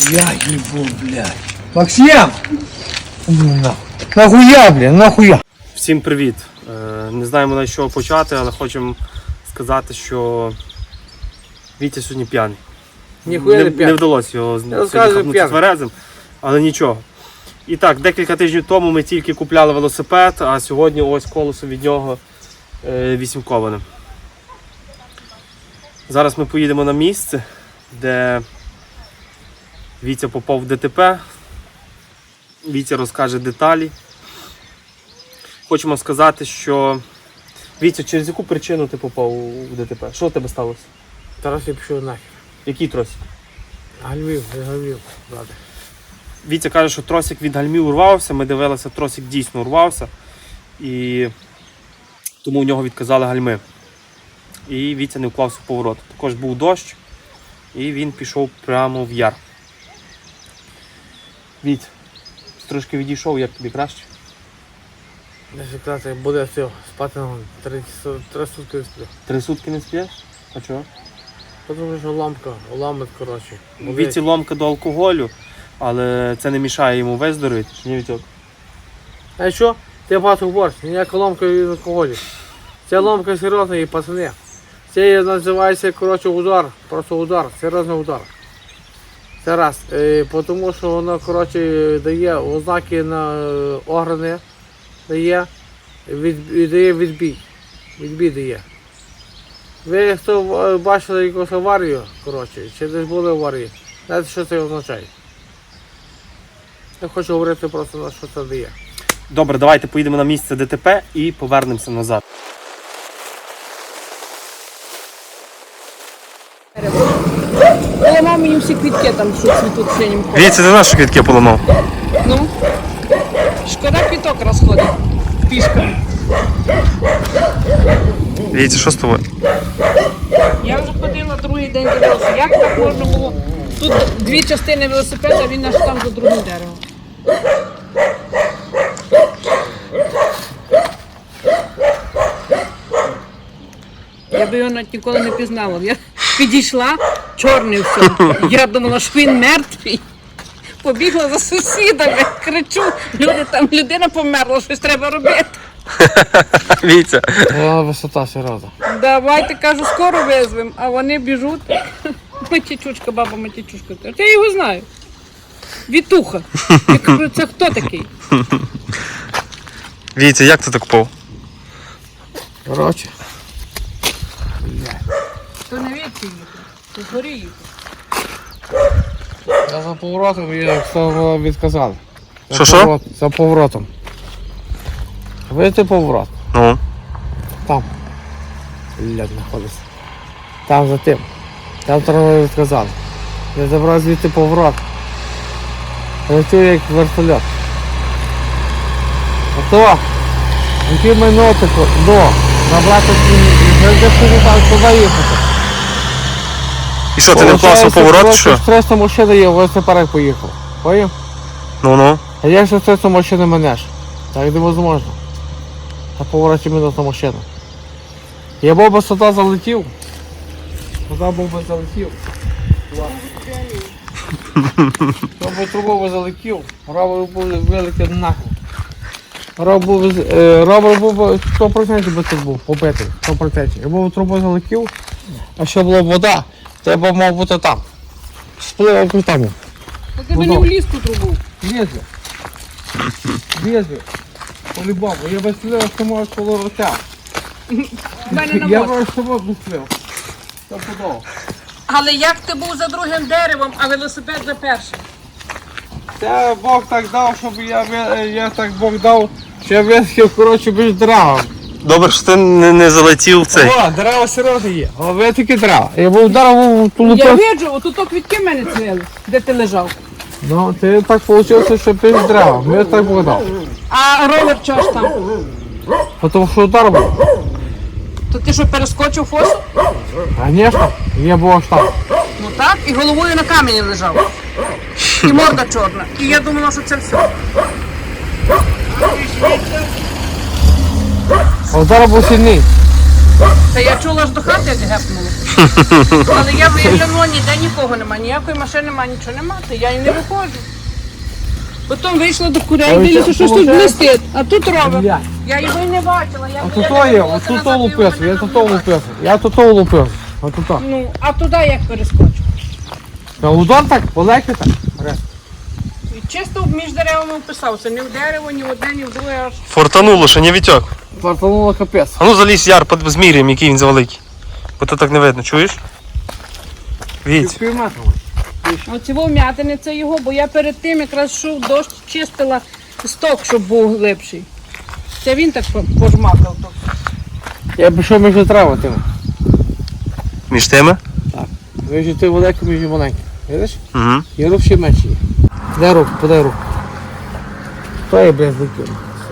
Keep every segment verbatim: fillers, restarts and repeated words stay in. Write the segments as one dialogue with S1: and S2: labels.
S1: Я ебу, блядь. Максим! Нахуя, блядь, нахуя?
S2: Всім привіт! Не знаємо на що почати, але хочемо сказати, що Вітя сьогодні п'яний.
S1: Ніхуя
S2: не,
S1: не п'яний.
S2: Не вдалося його сьогодні хапнути тверезим, але нічого. І так, декілька тижнів тому ми тільки купляли велосипед, а сьогодні ось колесо від нього е, вісімковане. Зараз ми поїдемо на місце, де Вітя попав в ДТП. Вітя розкаже деталі. Хочемо сказати, що... Вітя, через яку причину ти попав у ДТП? Що у тебе сталося?
S1: Тарас я пішов нахер.
S2: Який тросик?
S1: Гальмів, гальмів, брате.
S2: Вітя каже, що тросик від гальмів урвався, ми дивилися, тросик дійсно урвався. І тому у нього відказали гальми. І Вітя не вклався в поворот. Також був дощ, і він пішов прямо в яр. Вітя, трошки відійшов, як тобі краще?
S1: Не секрет, буде все, спати на три, три сутки не сплю.
S2: Три сутки не спиш? А чого?
S1: Тому що ламка, ламить, коротше.
S2: Віті ломка до алкоголю, але це не мішає йому виздоровити, чи ні, Вітьок?
S1: А що? Ти багато говориш, ніяка ламка від алкоголю. Ця ламка серйозна і пацани. Це називається, коротше, удар, просто удар, серйозний удар. Це раз. Е, тому що воно, коротше, дає ознаки на е, органи, дає, від, дає відбій. Відбій дає. Ви хто бачили якусь аварію, коротше, чи десь були аварії, знаєте, що це означає? Я хочу говорити просто, на що це дає.
S2: Добре, давайте поїдемо на місце ДТП і повернемося назад.
S3: Поламав мені всі квітки там, що цвітуть синім кольором.
S2: Вітя, ти наші квітки поламав?
S3: Ну, шкода квіток розходить пішками.
S2: Вітя, що з тобою?
S3: Я вже ходила другий день дивилася, як так можна було. Тут дві частини велосипеда, а він аж там за другим деревом. Я би його навіть ніколи не пізнала. Я підійшла, чорний все. Я думала, що він мертвий. Побігла за сусідами, кричу, люди, там людина померла, щось треба робити.
S2: Вітя.
S1: Вона висота серйозна.
S3: Давайте, кажу, скоро визвемо, а вони біжуть. Матічучка, баба Матічучка. Я його знаю. Вітуха. Я кажу, це хто такий?
S2: Вітя, як ти так попав?
S1: Коротше.
S3: То не Вітя їхав, то згорі їхав.
S1: Я за поворотом і хто відказали.
S2: Що, що?
S1: За поворотом. Видите поворот?
S2: Ну.
S1: Там. Блядь, знаходиться. Там за тим. Там треба відказали. Я забрав звідти поворот. Летю як вертольот. А то, який минути до, набрати туди їхати.
S2: І що, ти не вклався в поворот, чи що?
S1: Стресна машина є, ось тепер поїхав. Поїм?
S2: Ну-ну.
S1: А як же стресна машина менеш? Так невозможно. На повороті минутна машина. Я був би сюди залетів. Туди був би залетів. Я би трубу би залетів, ровер був вилетів нахуй. Ровер був би сто відсотків би тут був, побитий, сто відсотків. Я був трубу залетів, а що була вода, то я б мав бути там. Сплив там.
S3: Та ти мені в ліску трубу.
S1: Лезли. Лезли. По-любому. Я би стріляв, що можеш коло рота.
S3: В мене на
S1: Я
S3: мозку.
S1: б що би стріляв. Це подобно.
S3: Але як ти був за другим деревом, а велосипед за першим?
S1: Це Бог так дав, щоб я, ви- я так Бог дав, що я висхив, коротше, між деревами.
S2: Добре, що ти не, не залетів в цей.
S1: О, дерева серйозно є. О, ви такі дерева. Я був вдарив ту
S3: Я
S1: лупив.
S3: виджу, отут квітки в мене цвіли, де ти лежав.
S1: Ну, ти так вийшло, що між деревами. Я так Бог дав.
S3: А ровер чого ж там?
S1: Тому що удар був.
S3: То ти що, перескочив фосу?
S1: Звісно, я був аж там.
S3: Ну так, і головою на камені лежав. І морда чорна. І я думала, що це все.
S1: А удар був сильний.
S3: Та я чула аж до хати, як гепнуло. Але я виглянула, ніде нікого немає, ніякої машини немає, нічого немає, то я і не виходжу. Потім вийшла до курей,
S1: Ой,
S3: дивлюся,
S1: це
S3: що ж тут
S1: виходить?
S3: блистить, а тут ровер.
S1: Блядь.
S3: Я його і не бачила. Я,
S1: А
S3: я
S1: тут то є,
S3: дивилася
S1: от тут
S3: назад,
S1: то
S3: його
S1: лупився,
S3: не
S1: я тут то
S3: наблюдала.
S1: лупився. Я тут то лупився. А тут то.
S3: Ну, а туди як перескочу?
S1: Та удар так, полегше так. Раз.
S3: І чисто між деревами вписався, ні в дерево, ні в одне, ні в друге аж.
S2: Фортануло, що не вітьок.
S1: Фартануло капець.
S2: А ну залізь яр, под- зміряємо, який він завеликий. Бо то так не видно, чуєш? Віть.
S1: Пів метра.
S3: Оці вм'ятини це його, бо я перед тим якраз йшов дощ, чистила сток, щоб був глибший. Це він так по- пожмакав тут.
S1: Я пішов між травами тими.
S2: Між тими?
S1: Між ти великим, між маленьким. Видиш?
S2: Угу.
S1: І рук ще менші є. Дай руку, подай руку. То є без ликів.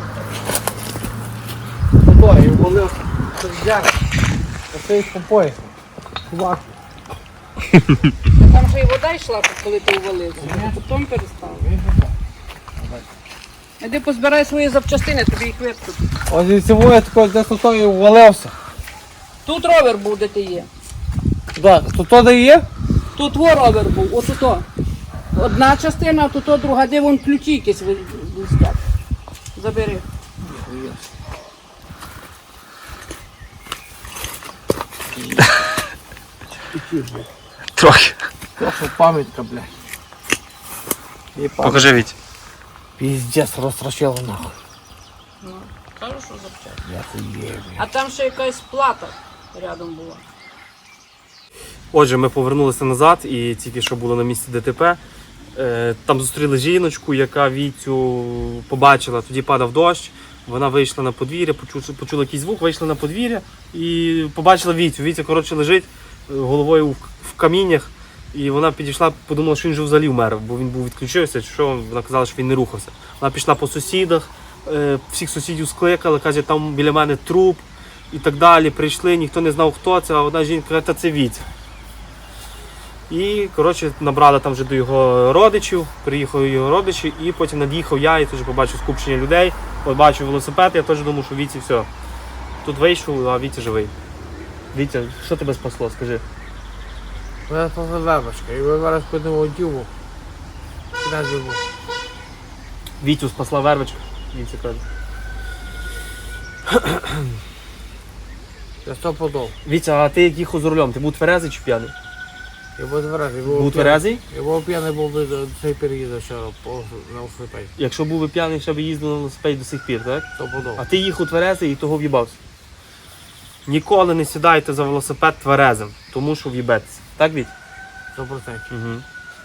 S1: То є, увалив. Це взяти. Оце їх по поясу. Чувак.
S3: Там же і вода йшла, коли ти увалився, а потім перестав. Іди позбирай свої запчастини, тобі їх виткнуть.
S1: Ось і цього я такого десь тут і увалився.
S3: Тут ровер був, де ти є.
S1: Так, то то де є?
S3: Тут во ровер був, ось тут. Одна частина, а тут друга, де вон ключі якісь ви- блистять. Забери.
S2: Трохи.
S1: Просто пам'ятка, блядь. І пам'ятка.
S2: Покажи, Віть.
S1: Піздець розтрощило нахуй.
S3: Ну, кажу, що запчасти.
S1: Я хуєю, блядь.
S3: А там ще якась плата рядом була.
S2: Отже, ми повернулися назад і тільки що було на місці ДТП. Е, Там зустріли жіночку, яка Вітю побачила, тоді падав дощ. Вона вийшла на подвір'я, почула, почула якийсь звук, вийшла на подвір'я і побачила Вітю. Вітя, коротше, лежить е, головою в, в каміннях. І вона підійшла, подумала, що він вже взагалі вмер, бо він був відключився, чи що, вона казала, що він не рухався. Вона пішла по сусідах, е, всіх сусідів скликала, каже, там біля мене труп і так далі. Прийшли, ніхто не знав, хто це, а одна жінка каже, та це Вітя. І, коротше, набрали там вже до його родичів, приїхали його родичі, і потім над'їхав я і теж побачив скупчення людей, побачив велосипед, я теж думав, що Віті все. Тут вийшов, а Вітя живий. Вітя, що тебе спасло, скажи?
S1: Мене спасла вербочка, і ви зараз ходимо у діву. Куди діву?
S2: Вітю спасла вервичка, Вітя каже.
S1: Я сто подов.
S2: Вітя, а ти як їхав за рулем, ти був тверезий чи п'яний?
S1: Я був тверезий. я
S2: Був
S1: п'яний.
S2: тверезий?
S1: Я був п'яний, був би до цей переїзду вчора по на велосипеді.
S2: Якщо був би п'яний, ще б їздив на велосипеді до сих пір, так?
S1: Сто подов.
S2: А ти їхав тверезий і того в'їбався. Ніколи не сідайте за велосипед тверезим, тому що в'їбетеся. Так, Віть?
S1: Сто процентів.
S2: Угу.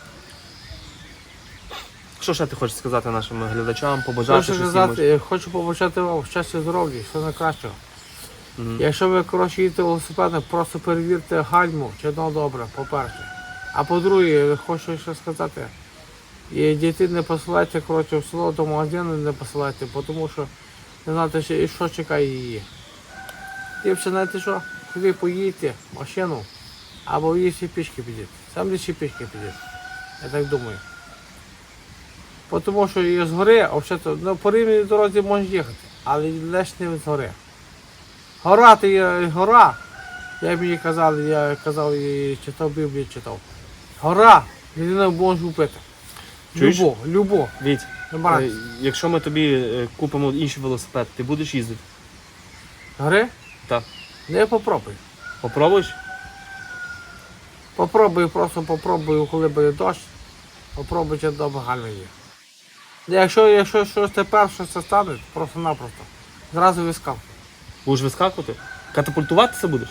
S2: Що ще ти хочеш сказати нашим глядачам, побажати
S1: Хочу
S2: щось їм?
S1: сказати, я хочу побажати вам щастя, здоров'я, все найкращого.
S2: Мгм.
S1: Якщо ви, коротше, їдете велосипедом, просто перевірте гальму, чи воно добре, по-перше. А по-друге, хочу ще сказати, і дітей не посилайте, коротше, в село до магазину не посилайте, тому що не знаєте, ще і що чекає її. Ліпше, знаєте що, куди поїдете, машину, або її ще пішки підійти. Сам лише пішки підійти. Я так думаю. Тому що і з гори, а взагалі, ну, по рівній дорозі можеш їхати, але лише не з гори. Гора, то є гора. Я б їй казав, я казав, і читав Біблію, читав. Гора, людина може вбити.
S2: Чуєш?
S1: Любо, любо.
S2: Віть,
S1: Не
S2: е,
S1: баранці.
S2: якщо ми тобі е, купимо інший велосипед, ти будеш їздити?
S1: Гори?
S2: Так.
S1: Не попробуй.
S2: Попробуєш?
S1: Попробуй, просто попробуй, коли буде дощ. Попробуй, чи добре гальма є. Якщо, якщо щось тепер щось це стане, просто-напросто. Зразу вискав.
S2: Будеш вискакувати? Катапультуватися будеш?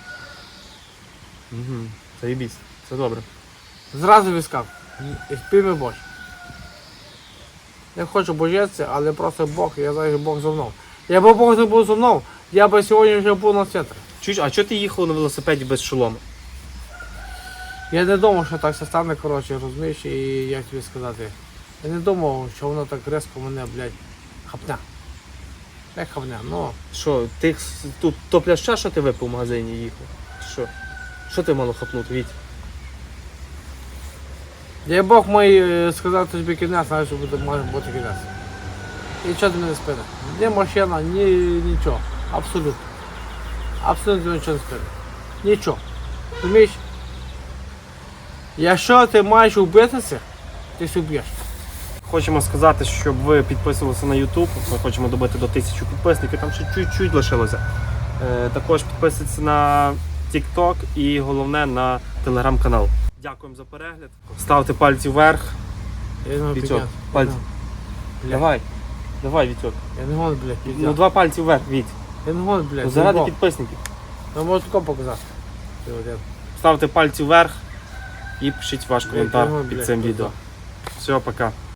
S2: Угу. Заєбісь, це добре.
S1: Зразу вискав. І спільми Бож. Не хочу боятися, але просто Бог, я знаю, що Бог зо мною. Якби Бог не був зо мною, я би сьогодні вже був на центрі.
S2: Чуєш, а чого ти їхав на велосипеді без шолома?
S1: Я не думав, що так все стане, коротше, розумієш, і як тобі сказати. Я не думав, що воно так різко мене, блядь, хапня. Як хапня, ну.
S2: Що, ти с- тут то пляща, що ти випив в магазині їхав? Що? Що ти мало хапнути, Віть?
S1: Я Бог мій е, сказав тобі кінець, знаєш, що буде, може бути кінець. І що ти мене спини? Ні машина, ні нічого. Абсолютно. Абсолютно нічого не спини. Нічого. Розумієш? Якщо ти маєш вбитися, ти се вб'єш.
S2: Хочемо сказати, щоб ви підписувалися на YouTube. Ми хочемо добити до тисячі підписників, там ще чуть-чуть лишилося. Е, також підписуйтесь на TikTok і головне на телеграм-канал. Дякуємо за перегляд. Ставте пальці вверх.
S1: Я не можу
S2: Вітьок,
S1: підняти.
S2: пальці.
S1: Блядь.
S2: Давай. Давай, Вітьок.
S1: Я не можу, блядь, підняти.
S2: Ну два пальці вверх, Віть.
S1: Я не можу, блядь.
S2: Ну, заради
S1: заїбав.
S2: підписників.
S1: Я можу тако показати. Ти один.
S2: Ставте пальці вверх і пишіть ваш коментар
S1: Блядь,
S2: під
S1: блядь,
S2: цим
S1: блядь.
S2: відео. Все, пока.